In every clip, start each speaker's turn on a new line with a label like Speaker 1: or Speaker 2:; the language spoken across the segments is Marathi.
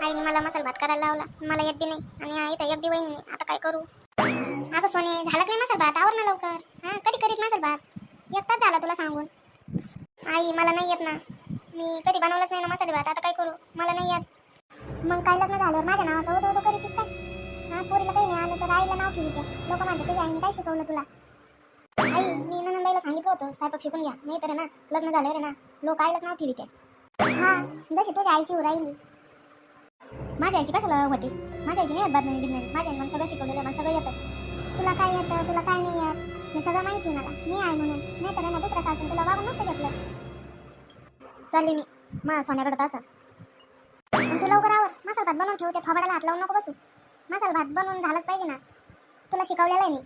Speaker 1: आईने मला मसाला भात करायला लावला, मला येत बी नाही आणि आई तर एक बी वहिनी नाही. आता काय करू? अगं सोने, झाला की नाही मसाला भात? आवर ना लवकर. हां, कधी करीत मसाला भात? एक तास झाला तुला सांगून. आई मला नाही येत ना, मी कधी बनवलंच नाही ना मसाले भात. आता काय करू? मला नाही येत. मग काय लग्न झाल्यावर माझ्या नावाचं उदो उदो करीत काय? हां, पोरीला काही नाही आलं तर आईला नाव ठेवते. लोक म्हणतात तुझ्या आईने काय शिकवलं तुला? आई, मी ननंदबाईला सांगितलं होतं स्वयंपाक शिकून घ्या, नाही तर ना लग्न झाल्यावर ना लोक आईलाच नाव ठेवते. हां, जशी तुझ्या आईची राहिली. माझ्या आईची कशाला होती? माझ्या आईची नाही बदनामी बिदनामी. माझ्या आईने मला सगळं शिकवलेलं, मला सगळं येतं. तुला काय येतं, तुला काय नाही येत हे सगळं माहिती मला. मी आहे म्हणून, नाही तर ना दुसऱ्या सासून तुला वागून नसतं घेतलं. चालली मी मा सोन्याकडे असं. तू लवकर आवर, मसाला भात बनवून ठेवते. थोबाडाला हात लावून नको बसू. मसाला भात बनवून झालाच पाहिजे ना, तुला शिकवलेलं आहे मी.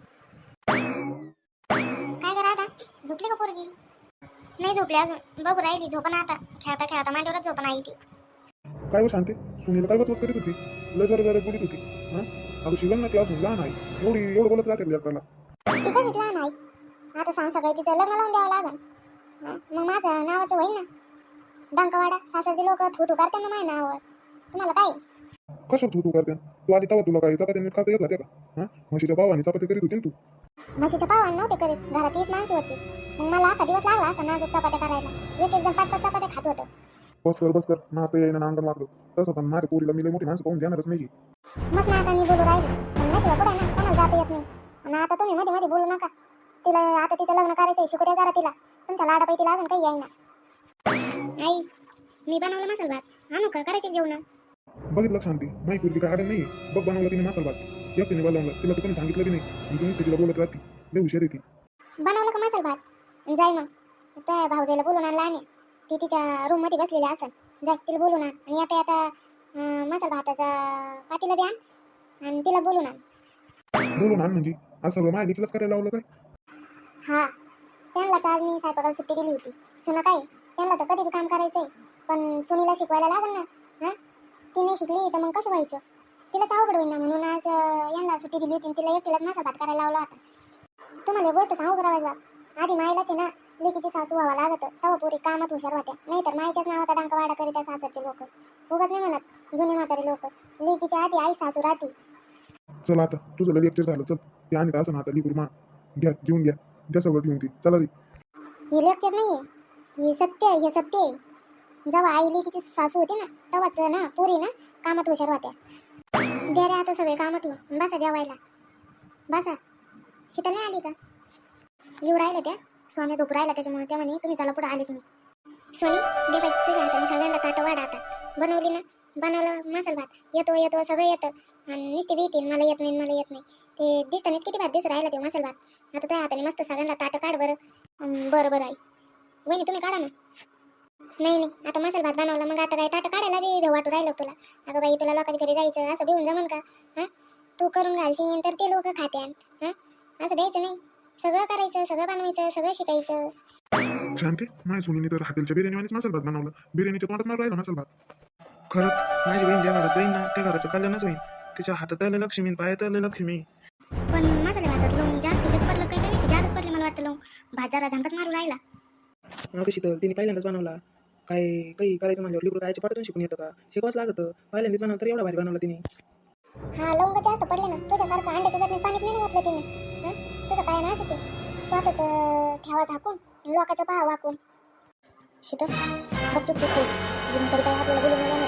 Speaker 1: काय करा आता? झोपली का पोरगी? नाही झोपली अजून, बघू राहिली. झोपण आता, खेळता खेळता मांडीवरच झोपण आई ती.
Speaker 2: काय शांती, सुनीला काय बचवत करीत होती? लय जरा बोलत होती. हां, अगं शिवण ना क्लास लहान आहे, एवढं बोलत राहते लेकराला.
Speaker 1: ती कशीच लहान आहे? आता सांग सगळं तिचं लग्न लावून द्यावं लागेल. मग माझं नावाचं होईल ना डंकवाडा. सासरची लोक थू थू करते ना माझ्या नावावर. तुम्हाला काय?
Speaker 2: कसं तू करते? तू आधी तेव्हा तुला काय चपात्या नीट खाता येत होत्या का? हां, म्हशीच्या भावाने चपात्या करीत होती ना तू.
Speaker 1: म्हशीच्या पावान नव्हते करीत, घरात 30 माणसं होती. मग मला असा दिवस लागला असं नाजूक चपात्या करायला. एक एक जण 5-5 चपात्या खात होतं.
Speaker 2: बस कर नाचता येईना ना अंगण वागलं. तसं पण माझ्या पोरीला मी लय मोठी माणसं पाहून देणारच नाही.
Speaker 1: मग ना आता मी बोलू राहिली, पण नशिबा पुढे ना कोणाला जाता येत नाही. आणि आता तुम्ही मध्ये मध्ये बोलू नका. तिला आता तिचं लग्न करायचंय, शिकू द्या जरा तिला. तुमच्या लाडापाई तिला अजून काही येईना. आई, मी बनवलं मसाला भात, आणू का? करायचे जेवण?
Speaker 2: बघितलं शांती, माही पोरगी काय आडण नाही. बघ बनवलं तिने मसाला भात, एकटीने बनवलं. तिला तू कोणी सांगितलं की नाही? आणि तुम्ही तिला बोलत राहते, लय हुशार आहे ती.
Speaker 1: बनवलं का मसाला भात? जाय मग त्या भाऊजाईला बोलून आणला आणि ती तिच्या रूम मध्ये बसलेली असेल. जाय तिला बोलून आण आणि आता आता मसाला भाताचा पातीला बी आण आणि तिला बोलून आण.
Speaker 2: बोलून आण म्हणजे असं सगळं माझ्या लेकीलाच करायला लावलं काय?
Speaker 1: हा, त्यांनाच आज मी स्वयंपाकाला सुट्टी दिली होती. सुना काय, त्यांना तर कधी बी काम करायचंय, पण सुनीला शिकवायला लागेल ना. हां, ती नाही शिकली तर मग कसं व्हायचं? तिलाच अवघड होईल ना. म्हणून आज यांना सुट्टी दिली होती आणि तिला एकटीलाच मसाला भात करायला लावला होता. तुम्हाला एक गोष्ट सांगू करायला, आधी मायलाच ना लेकीची सासू व्हावं लागत, तेव्हा पोरी कामात हुशार होत्या. नाही तर मायच्याच नावाचा डंकवाडा करीत आहे सासरचे लोक. उगाच नाही म्हणत जुने म्हातारे लोक, लेकीच्या आधी आई सासू राहते.
Speaker 2: चल आता तुझं लय लेक्चर झालं. चल ते आणि असं ना आता लिकूर मा घ्या, घेऊन घ्या सगळं घेऊन ती. चला रे.
Speaker 1: हे लेक्चर नाही आहे, हे सत्य आहे. हे सत्य आहे. जेव्हा आई लेकीची सासू होती ना तेव्हाच ना पोरी ना कामात हुशार होत्या. द्या रे आता सगळे कामात येऊन बसा जेवायला. बसा. शीतल नाही आली का? येऊ राहिल्या त्या. सोन्या झोप राहिला, त्याच्यामुळे त्या म्हणे तुम्ही चला पुढे आले तुम्ही. सोनी दे बाई, तुझ्या हाताने सगळ्यांना ताटं वाढ. आता बनवली ना, बनवलं मसाला भात. येतो सगळं येतं आणि नुसते भीती मला येत नाही. ते दिसताना किती भात दिवस राहिला ते मसाला भात. आता तुझ्या हाताने मस्त सगळ्यांना ताटं काढ बरं. बरं आई. वहिनी तुम्ही काढा ना. नाही आता मसाला भात बनवला, मग आता काय ताटं काढायला बी वाटू राहिलं तुला? अगं बाई, तुला लोकांच्या घरी जायचं असं भिवून जमन का? हां, तू करून घालशील तर ते लोक खात्यान. हां, असं द्यायचं नाही. सगळं करायचं, सगळं बनवायचं, सगळं शिकायचं.
Speaker 2: शांती, माझ्या सुनीने तर हॉटेलच्या बिर्याणीवानीच मसाला भात बनवलं. बिर्याणीच्या तोंडात मारून राहिला मसाला भात.
Speaker 3: खरंच माझी बहीण ज्या घरात जाईन ना त्या घराचं कल्याणच होईल. तिच्या हातात आलं लक्ष्मी, पायात आलं लक्ष्मी.
Speaker 1: पण मसाले भातात लोंग जास्तीच पडलं काय नाही? जास्तच पडले मला वाटतं लोंग. भात जरा झांकच मारू राहिला.
Speaker 3: मग शीतल तिने पहिल्यांदाच बनवला. काही करायचं म्हणल्यावर लिकूर कायच्या पाठातून शिकून येतं का? शिकवाच लागतं. पहिल्यांदाच बनवलं तर एवढा भारी बनवला तिने.
Speaker 1: हा, लोंग जास्त पडले ना. तुझ्यासारखं अंड्याच्या चटणीत पाणीच नाही ओतलं तिने. हां, तुझं काय ना असंच आहे. स्वतःच ठेवा झाकून, लोकांचं पहा वाकून. शीतल गपचूप चूप होईल. काय आपल्याला बोलून